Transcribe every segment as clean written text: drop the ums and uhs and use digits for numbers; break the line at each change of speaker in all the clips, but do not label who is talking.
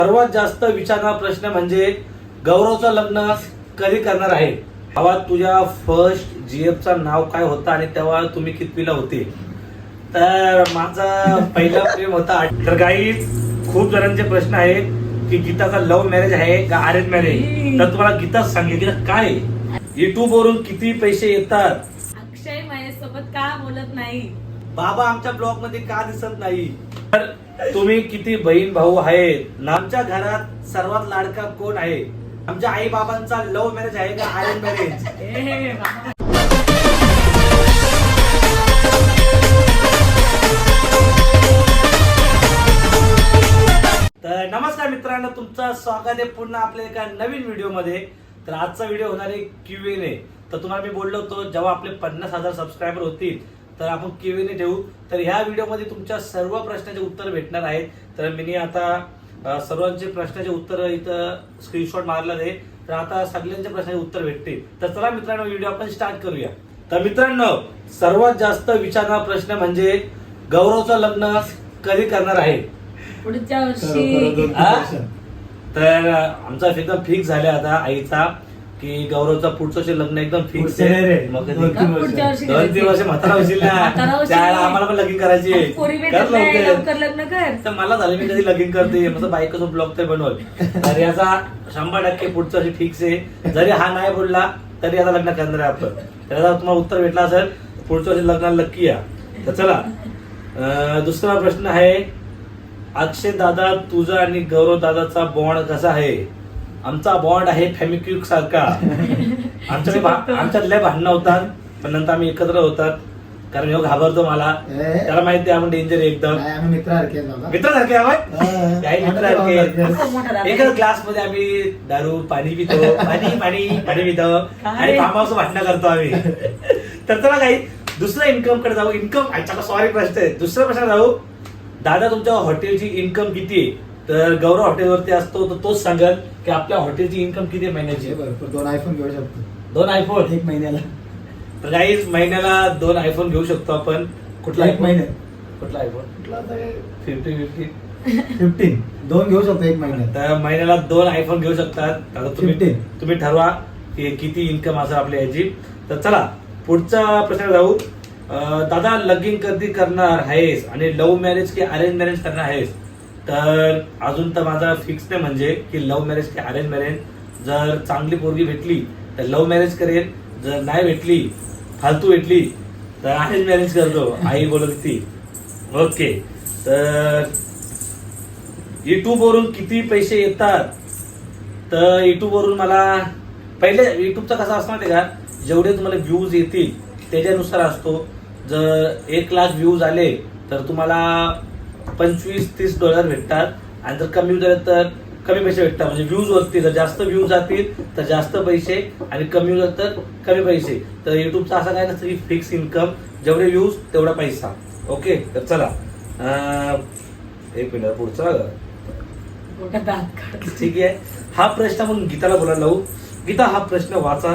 सर्वात जास्त विचारणारा प्रश्न म्हणजे गौरवचं लग्न कधी करणार आहे? भावा, तुझ्या फर्स्ट जीएफचं नाव काय होतं आणि तेव्हा तुम्ही कितवीला होते? तर माझा पहिला प्रेम होता. तर गाईज, खूप जणांचे प्रश्न आहेत की गीताचा लव्ह मॅरेज आहे का अरेंज मॅरेज. तर तुम्हाला गीताच सांगेल की काय युट्यूब वरून किती पैसे येतात,
अक्षय माझ्यासोबत का बोलत नाही,
बाबा आमच्या ब्लॉग मध्ये का दिसत नाही, तर तुम्ही किती बहीण भाऊ आहेत, आमच्या घरात सर्वात लाडका कोण आहे, आमच्या आई बाबांचा लव्ह मॅरेज आहे का अरेंज मॅरेज. तर नमस्कार मित्रांनो, तुमचं स्वागत आहे पुन्हा आपल्या एका नवीन व्हिडिओ मध्ये. तर आजचा व्हिडिओ होणार आहे Q&A. तर तुम्हाला मी बोललो होतो जेव्हा आपले 50,000 सबस्क्रायबर होतील तर आपण Q&A ठेवू. तर ह्या व्हिडिओमध्ये तुमच्या सर्व प्रश्नाचे उत्तर भेटणार आहेत. तर मी आता सर्वांचे प्रश्नाचे उत्तर इथं स्क्रीनशॉट मारलं आहे. तर आता सगळ्यांच्या प्रश्नाचे उत्तर भेटतील. तर चला मित्रांनो, व्हिडिओ आपण स्टार्ट करूया. तर मित्रांनो, सर्वात जास्त विचारणारा प्रश्न म्हणजे गौरवचं लग्न कधी करणार आहे?
पुढच्या वर्षी.
तर आमचा एकदम फिक्स झाला आता आईचा की गौरवचं पुढचं लग्न एकदम फिक्स आहे. मग
पुढच्या वर्षी
2-3 वर्ष म्हातारा होशील ना, त्याला आम्हाला पण लगीन करायची.
लवकर लग्न कर.
तर मला झालं मी कधी लगीन करते, माझा बायकोचा ब्लॉग तर बनवल. तर याचा 100% पुढच्या वर्षी फिक्स आहे. जरी हा नाही बोलला तरी आता लग्न करणार आहे आपण. त्याचा तुम्हाला उत्तर भेटला असेल पुढच्या वर्षी लग्नाला नक्की या. तर चला, दुसरा प्रश्न आहे, अक्षय दादा, तुझा आणि गौरव दादाचा बॉन्ड कसा आहे? आमचा बॉन्ड आहे फॅमिक्विक सारखा. आमच्यात लय भांडणं होतात, पण नंतर आम्ही एकत्र होतात. कारण ह्यो घाबरतो मला, त्याला माहिती आहे आपण डेंजर आहे एकदम. मित्रासारखे एकच ग्लास मध्ये आम्ही दारू पाणी पितो, पाणी पितो आणि पापाचं भांडणं करतो आम्ही. तर चला काही दुसऱ्या इन्कम कडे जाऊ. सॉरी प्रश्न आहे, दुसरा प्रश्न जाऊ. दादा, तुमच्या हॉटेलची इन्कम किती आहे? तर गौरव हॉटेलवरती असतो तर तोच सांगेल की आपल्या हॉटेलची इन्कम किती आहे महिन्याची.
2 आयफोन घेऊ शकतो.
2 आयफोन
एक महिन्याला.
तर गाईज, महिन्याला 2 आयफोन घेऊ शकतो आपण. कुठला
एक महिन्यात?
कुठला आयफोन?
15 2 घेऊ शकतो एक महिन्यात.
तर महिन्याला 2 आयफोन घेऊ शकतात. आता तुम्ही ठरवा की किती इन्कम असेल आपल्या याची. तर चला पुढचा प्रश्न जाऊ. दादा, लगीन कधी करणार आहेस आणि लव्ह मॅरेज की अरेंज मॅरेज करणार आहेस? तर अजून तर माझा फिक्स नाही म्हणजे की लव्ह मॅरेज की अरेंज मॅरेज. जर चांगली पोरगी भेटली तर लव्ह मॅरेज करेल, जर नाही भेटली, फालतू भेटली तर अरेंज मॅरेज करतो, आई बोलत ती. ओके. तर युट्यूब वरून किती पैसे येतात? तर युट्यूब वरून मला पहिले युट्यूबचा कसा असतो माहिती का, जेवढे तुम्हाला व्ह्यूज येतील त्याच्यानुसार असतो. जर 1 लाख व्ह्यूज आले तर तुम्हाला $25-30 भेटतात. आणि जर कमी झाले तर कमी पैसे भेटतात. म्हणजे व्ह्यूज वरती जर जास्त व्ह्यूज जातील तर जास्त पैसे आणि कमी झाले तर कमी पैसे. तर युट्यूबचा असं काय नसतं की फिक्स इन्कम, जेवढे व्ह्यूज तेवढा पैसा. ओके. तर चला, 1 मिनिट पुढचा. ठीक आहे, हा प्रश्न आपण गीताला बोलायला लावू. गीता, हा प्रश्न वाचा.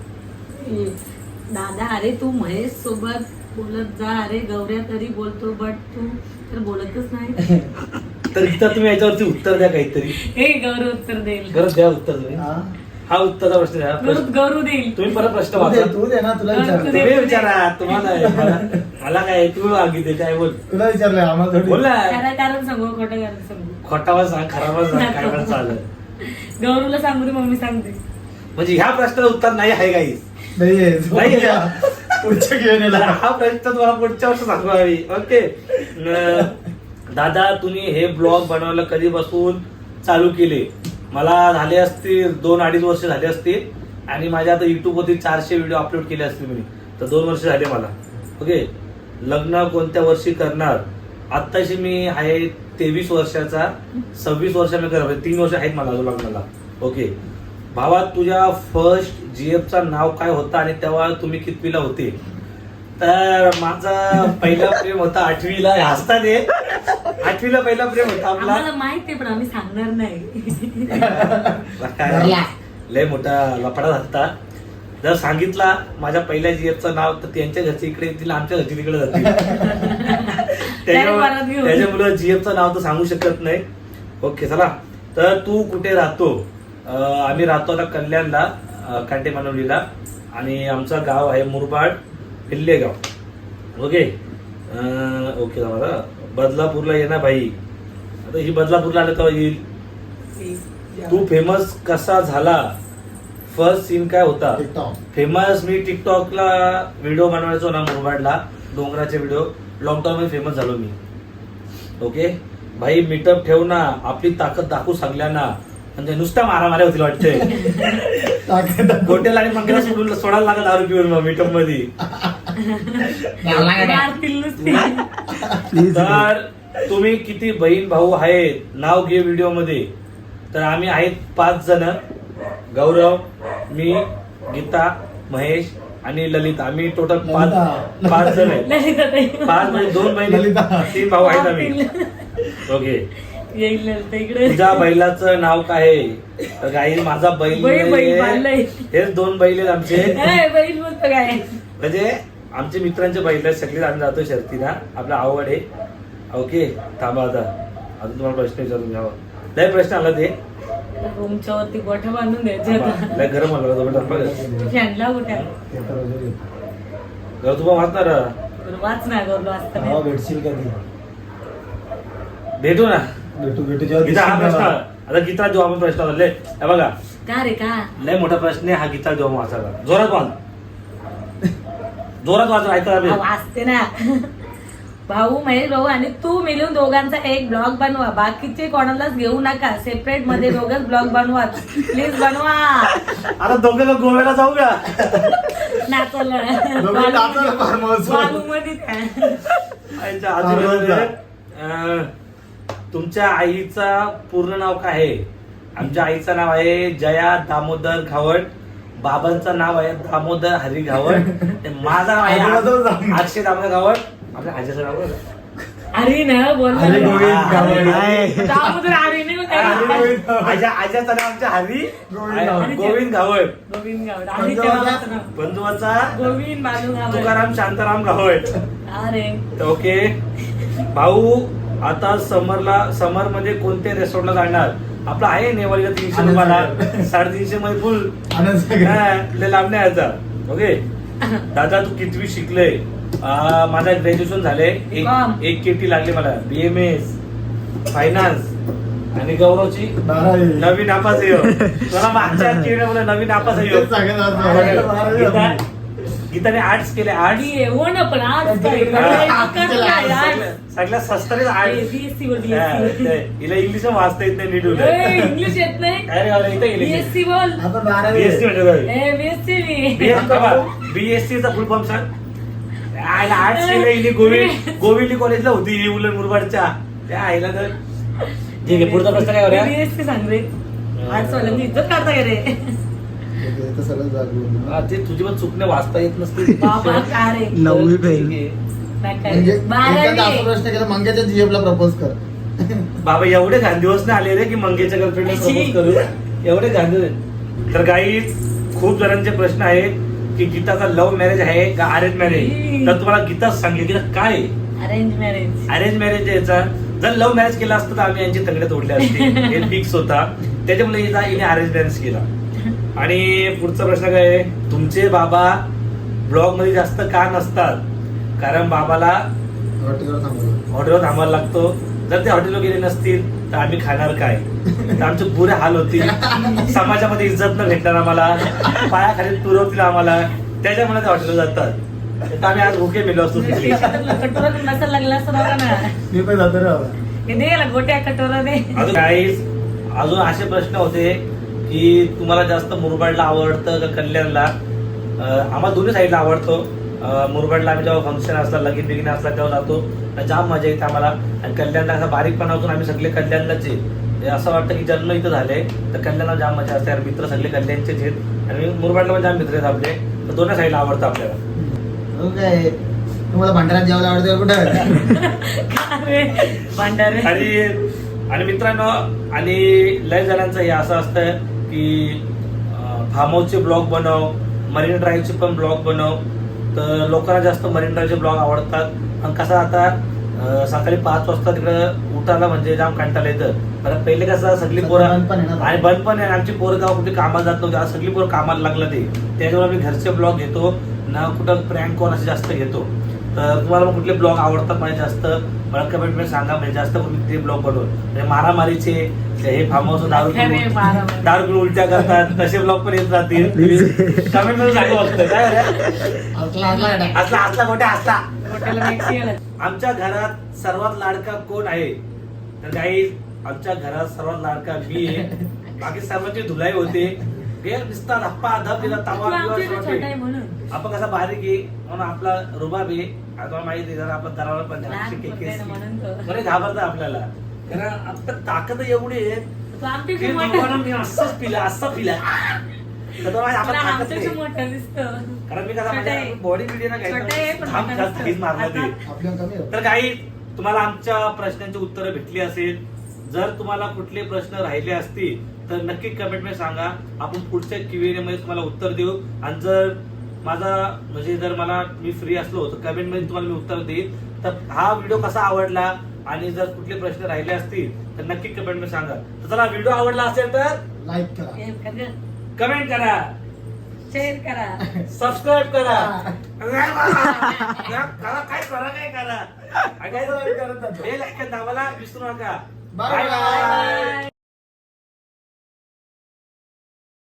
दादा, अरे तू महेश सोबत बोलत जा. अरे गौऱ्या तरी बोलतो, बट तू तर बोलतच नाही.
तर गीता, तुम्ही याच्यावरती उत्तर द्या काहीतरी.
हे गौरव उत्तर देईल.
गरज द्या उत्तर तुम्ही. हा उत्तरचा प्रश्न द्या.
गौरव देईल.
तुम्ही परत प्रश्न वाचा.
तू दे ना, तुला
तुम्ही विचारा. तुम्हाला मला काय, तुम्ही मागितले काय बोल.
तुला विचारलंय, आम्हाला
बोल ना.
कारण सांगू, खोटं कारण सांगू.
खोटावा सांग, खराबा सांग, काय पण चालेल.
गौरवला सांगू दे, मम्मी सांगते.
म्हणजे ह्या प्रश्नाचं उत्तर नाही आहे काही.
पुढच्या घेऊन
हा प्रश्न तुम्हाला पुढच्या वर्षी सांगू आम्ही. ओके. दादा, तुम्ही हे ब्लॉग बनवायला कधीपासून चालू केले? मला झाले असतील 2-2.5 वर्ष झाले असतील. आणि माझ्या आता युट्यूब वरती 400 व्हिडिओ अपलोड केले असतील मी. तर 2 वर्ष झाले मला. ओके. लग्न कोणत्या वर्षी करणार? आत्ताशी मी आहे 23 वर्षाचा. 26 वर्ष मी करणार, 3 वर्ष आहेत मला अजून लग्नाला. ओके. भावा, तुझ्या फर्स्ट जीएफचा नाव काय होतं आणि तेव्हा तुम्ही कितवीला होते? तर माझा पहिला प्रेम होता 8वीला. हसतात हे. 8वीला पहिला प्रेम होता आपला.
आम्हाला माहिती आहे पण आम्ही सांगणार नाही.
लय मोठा लफडा झालता. जर सांगितला माझ्या पहिल्या जीएफचं नाव तर त्यांच्या घरची इकडे येतील, आमच्या घरची तिकडे जातील. त्याच्यामुळे जीएफचं नाव तर सांगू शकत नाही. ओके. चला तर तू कुठे राहतो? आम्ही राहतो आता कल्याणला, कांटे मानवलीला, आणि आमचं गाव आहे मुरबाड पिल्लेगाव. ओके ओके दादा, बदलापूरला ये ना भाई. आता ही बदलापूरला आलं तेव्हा येईल. तू फेमस कसा झाला? फर्स्ट सीन काय होता?
TikTok.
फेमस मी टिकटॉकला व्हिडिओ बनवायचो ना मुरबाडला, डोंगराचे व्हिडिओ. लॉकडाऊन मध्ये फेमस झालो मी. ओके भाई, मीटअप ठेव ना, आपली ताकद दाखवू सांगल्या ना. म्हणजे नुसता मारामाऱ्या होतील वाटतंय. गोट्याला आणि मंगेला सोडून सोडायला लागत दारू पिऊन मग मीटअप मध्ये.
मारतील नुसते.
तर तुम्ही किती बहीण भाऊ आहेत? नाव घे व्हिडिओ मध्ये. तर आम्ही आहेत 5 जण. गौरव, मी, गीता, महेश आणि ललिता. आम्ही टोटल 5 जण आहेत.
ललिताताई.
5 म्हणजे 2 बहिणी,
ललिता.
3 भाऊ आहेत आम्ही. ओके,
येईल ललिता इकडे.
तुझ्या बैलाचं नाव काय आहे? तर गाई माझा बैल
बैल बांधलाय.
हेच 2 बैल आहेत आमचे.
बैल बोलतो काय?
म्हणजे आमचे मित्रांचे बैल आहेत सगळे. आम्ही जातो शर्तीला, आपला आवड आहे. ओके थांबा, आता अजून तुम्हाला प्रश्न विचारून घ्यावा. लय प्रश्न आला ते
रूमच्या वरती गोठ्या बांधून द्यायचे आता.
लय गरम आला
फॅनला गोठ्या
घर तुम्हाला वाचणार.
वाच ना गरलो असताना.
हा, भेटशील कधी?
भेटू ना.
भेटू जेव्हा
गीता, हा
दिसेल
प्रश्न
तेव्हा.
आता गीता जो आपण प्रश्न आला हे बघा,
का रे का?
लय मोठा प्रश्न आहे हा. गीता जो वाचायला जोरात वाच, जोरात वाच, ऐका.
वाचते ना. भाऊ, महेश भाऊ आणि तू मिळून दोघांचा एक ब्लॉग बनवा. बाकीचे कोणालाच घेऊ नका. सेपरेट मध्ये दोघच ब्लॉग बनवा. प्लीज बनवा.
आता दोघं गोव्याला जाऊ का?
नाचला
दोघं नाचायला फार मस्त.
आईच्या आजूबाजूला, तुमच्या आईचा पूर्ण नाव काय आहे? आमच्या आईचं नाव आहे जया दामोदर घावड. बाबांचं नाव आहे दामोदर हरी घावड. माझं नाव आहे अक्षय दामोदर घावड. आपल्या आजीचं नाव आहे?
अरे ना बोल.
हरी गोविंद घावड.
आज्याचं नाव आमच्या हरी
गोविंद
गोविंद घावड.
गोविंद गावड. आणि त्या बाबाचं नाव
बंधुवाचा
गोविंद बालू गावड.
तुकाराम शांताराम घावड.
अरे
ओके भाऊ, आता समर मध्ये कोणत्या रेस्टॉरंटला जाणार? आपला आहे नेवारीला 300 रुपयाला, 350 मध्ये फुल.
आनंद सागर.
लय लांब नाही याचा. ओके दादा, तू कितवी शिकले? माझा ग्रॅज्युएशन झाले. एक केटी लागली मला. BMS finance. आणि गौरवची
12वी.
नवी नापास आहे. मला मागच्या केळीला नवी नापास आहे.
तेच सांगत होतो. 12वी.
गीताने आर्ट्स केले. आर्ट्स
हो ना, पण आज
सगळ्या सस्तारीच आर्ट्स. हिला इंग्लिश वाचता येत नाही नीट.
इंग्लिश येत नाही.
अरे इथं गेले.
BSc बोल.
आता 12वी.
BSc म्हणजे
BSc
BSCचा फुल फॉर्म सांग. आर्ट्स केलं हिने गोविंदी कॉलेजला होती ही उलन मुरबाडच्या. त्या आईला तर ठीक आहे. पुढचा प्रश्न काय होता?
BSc सांग रे. आर्ट्स वाल्यांनी इज्जत काढता का रे?
ते तर सगळं जागरूक.
ते तुझी पण चुकणे वाचता येत नसते.
बाबा का रे?
9वी फेल. म्हणजे
बारावी.
असा प्रश्न केला, मंग्याच्या जीएफला प्रपोज कर.
बाबा एवढे घांदिवस नाही आले रे की मंगेच्या गर्लफ्रेंडला प्रपोज करू. एवढे घांदिवस. तर काही खूप जणांचे प्रश्न आहेत की गीताचा लव्ह मॅरेज आहे का अरेंज मॅरेज? तर तुम्हाला गीता सांगेल की काय
अरेंज मॅरेज.
अरेंज मॅरेज याचा. जर लव्ह मॅरेज केला असतं तर आम्ही यांची तंगड्या तोडल्या असते. हे फिक्स होता. त्याच्यामुळे हिने अरेंज मॅरेज केला. आणि पुढचा प्रश्न काय आहे? तुमचे बाबा ब्लॉग मध्ये जास्त का नसतात? कारण बाबाला हॉटेलवर थांबायला लागतो. जर ते हॉटेलवर गेले नसतील तर आम्ही खाणार काय? तर आमचे बुरे हाल होतील. समाजामध्ये इज्जत न भेटणार आम्हाला. पायाखाली तुरवतील आम्हाला. त्याच्यामुळे ते हॉटेलवर जातात. तर आम्ही आज भुके मेलो असतो.
कटोरा नसायला लागला असं बघा ना.
मी पण जातो रे बाबा.
हे दे याला गोट्या कटोरा दे.
अजून असे प्रश्न होते की तुम्हाला जास्त मुरबाडला आवडतं का कल्याणला? आम्हाला दोन्ही साईडला आवडतो. मुरबाडला आम्ही जेव्हा फंक्शन असतात, लगीन बिगीन असतात तेव्हा जातो. जाम मजा येते आम्हाला. आणि कल्याणला असा बारीकपणा होतो. आम्ही सगळे कल्याणलाच आहे. असं वाटतं की जन्म इथं झाले तर कल्याणला जाम मजा असते. मित्र सगळे कल्याणचेच आहेत. आणि मुरबाडला पण जाम मित्र आहेत आपले. तर दोन्ही साईडला आवडतं आपल्याला.
हो काय, तुम्हाला भंडाऱ्यात जेवायला आवडतं कुठं?
भांडारे.
आणि मित्रांनो, आणि लय जणांचं हे असं असतं की फार्म हाऊसचे ब्लॉग बनव, मरीन ड्राईव्हचे पण ब्लॉग बनव. तर लोकांना जास्त मरीन ड्राईव्हचे ब्लॉग आवडतात. आणि कसं आता सकाळी 5 वाजता तिकडं उठायला म्हणजे जाम कंटाळा येतं. कारण पहिले कसं सगळी
सध्या
पोरं
बंद पण आहे ना.
आणि बंद पण आहे. आमची पोरं गाव कुठे कामाला जात नव्हती, आज सगळी पोरं कामाला लागलं ते. त्याच्यामुळे आम्ही घरचे ब्लॉग घेतो ना, कुठं प्रँक कॉल असे जास्त घेतो. तर तुम्हाला मग कुठले ब्लॉग आवडतात माझे जास्त मला कमेंट मध्ये सांगा, म्हणजे जास्त करून ते ब्लॉग बनवून म्हणजे मारामारीचे हे फार्म हाऊस दारू पिऊन उलट्या करतात तसे ब्लॉग पण येत राहतील. कमेंट मध्ये सांगा फक्त काय रे? असला मोठ्या असला. आमच्या घरात सर्वात लाडका कोण आहे? तर काही आमच्या घरात सर्वात लाडका मी आहे. बाकी सर्वांची धुलाई होते. हे नुसता धप्पा धप दिला तवा
म्हणून
आपण कसा बारीक आहे म्हणून आपला रुबाब आहे. आता माहिती आहे जरा आपण दरावर पण बरे घाबरतात आपल्याला, कारण आपलं ताकद एवढी आहे की लोकांना मी असंच पिला असं पिला तर तो आपण ताकद नाही. कारण मी कसा बॉडी बिल्डिंग मारला ते.
आपल्याला कमी आहे.
तर काही तुम्हाला आमच्या प्रश्नांची उत्तरं भेटली असेल. जर तुम्हाला कुठले प्रश्न राहिले असतील तर नक्की कमेंट मध्ये सांगा, आपण पुढच्या Q&A मध्ये तुम्हाला उत्तर देऊ. आणि जर माझा म्हणजे जर मला मी फ्री असलो तर कमेंट मध्ये तुम्हाला मी उत्तर देईन. तर हा व्हिडिओ कसा आवडला आणि जर कुठले प्रश्न राहिले असतील तर नक्की कमेंट मध्ये सांगा. तर चला, व्हिडिओ आवडला असेल तर
लाईक करा,
कमेंट करा,
शेअर करा,
सबस्क्राईब करा. काय करा. बेल आयकॉन दाबायला विसरू नका.
Bye bye.